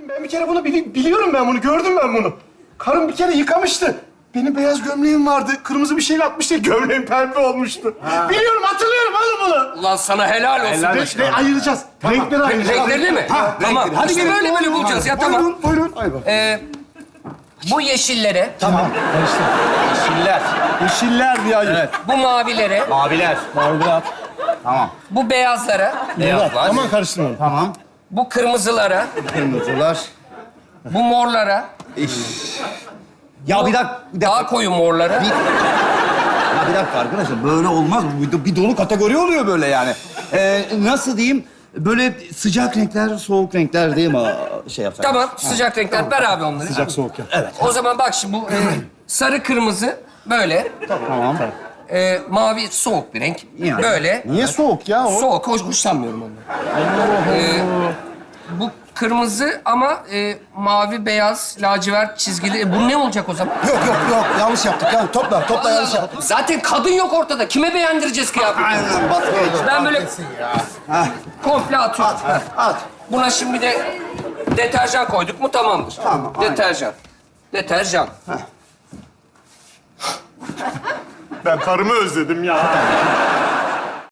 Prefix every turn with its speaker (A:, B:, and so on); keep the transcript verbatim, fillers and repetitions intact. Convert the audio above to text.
A: Ben bir kere bunu bili- biliyorum ben bunu. Gördüm ben bunu. Karım bir kere yıkamıştı. Benim beyaz gömleğim vardı. Kırmızı bir şeyle atmıştı. Gömleğim pembe olmuştu. Biliyorum, hatırlıyorum oğlum bunu.
B: Ulan sana helal olsun.
A: Re- re- ayıracağız. Renkleri ayıracağız.
B: Renklerini mi?
A: Ha,
B: Tamam.
A: renkleri. Hadi
B: İşte
A: gelin.
B: böyle böyle bulacağız ya, tamam.
A: Buyurun, buyurun. Ay bak.
B: Ee, bu yeşillere,
C: Yeşiller.
A: Yeşiller diye ayır.
C: Evet.
B: bu mavilere,
C: Maviler.
A: Maviler.
C: Tamam.
B: bu beyazlara,
C: Beyazlar.
A: Aman karıştırmayın.
C: Tamam.
B: bu kırmızılara,
C: Kırmızılar.
B: bu morlara,
C: Ya bir dakika, bir dakika.
B: daha koyu morlara.
C: Ya bir dakika arkadaşlar, böyle olmaz. Bir, bir dolu kategori oluyor böyle yani. Ee, nasıl diyeyim? Böyle sıcak renkler, soğuk renkler değil mi? Şey yapsak.
B: Tamam, sıcak renkler. Ver abi onları.
A: Sıcak soğuk ya.
C: Evet.
B: O zaman bak şimdi bu e, sarı kırmızı böyle.
C: Tamam.
B: E, mavi soğuk bir renk.
C: Yani.
B: Böyle.
A: Niye soğuk ya o?
B: Soğuk, hoş, hoşlanmıyorum ondan. E, bu kırmızı ama e, mavi, beyaz, lacivert çizgili. E, bu ne olacak o zaman?
A: Yok yok yok. Yanlış yaptık. Yani topla, topla
B: Allah
A: yanlış
B: Allah.
A: yaptık.
B: Zaten kadın yok ortada. Kime beğendireceğiz kıyafeti?
C: Aynen, bas geç.
B: Ben böyle komple atıyorum.
C: At, at.
B: Buna şimdi de deterjan koyduk mu tamamdır.
C: Tamam, aynen.
B: Deterjan. Deterjan.
A: Ben karımı özledim ya.